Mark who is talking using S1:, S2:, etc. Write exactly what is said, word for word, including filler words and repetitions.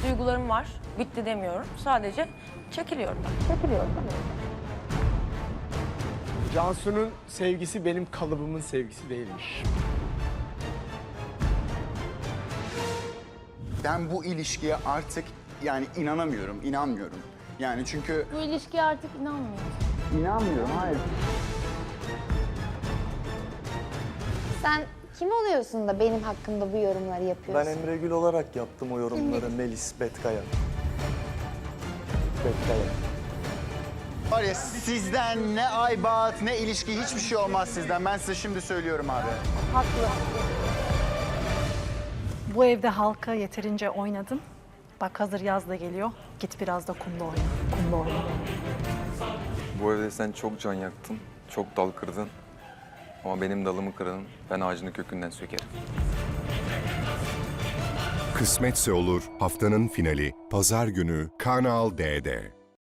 S1: duygularım var. Bitti demiyorum. Sadece çekiliyorum ben. Çekiliyorum.
S2: Cansu'nun sevgisi benim kalıbımın sevgisi değilmiş.
S3: Ben bu ilişkiye artık yani inanamıyorum, inanmıyorum. Yani çünkü...
S4: Bu ilişkiye artık inanmıyorum.
S3: İnanmıyorum, hayır.
S5: Sen kim oluyorsun da benim hakkımda bu yorumları
S6: Ben
S5: yapıyorsun?
S6: Emre Gül olarak yaptım o yorumları. Melis Betkaya. Betkaya.
S3: Var ya sizden ne aybat, ne ilişki, hiçbir şey olmaz sizden. Ben size şimdi söylüyorum abi.
S5: Haklı.
S7: Bu evde halka yeterince oynadın. Bak hazır yaz da geliyor. Git biraz da kumda oyna. Kumda oyna.
S8: Bu evde sen çok can yaktın, çok dal kırdın. Ama benim dalımı kırdın, ben ağacını kökünden sökerim.
S9: Kısmetse Olur haftanın finali Pazar günü Kanal D'de.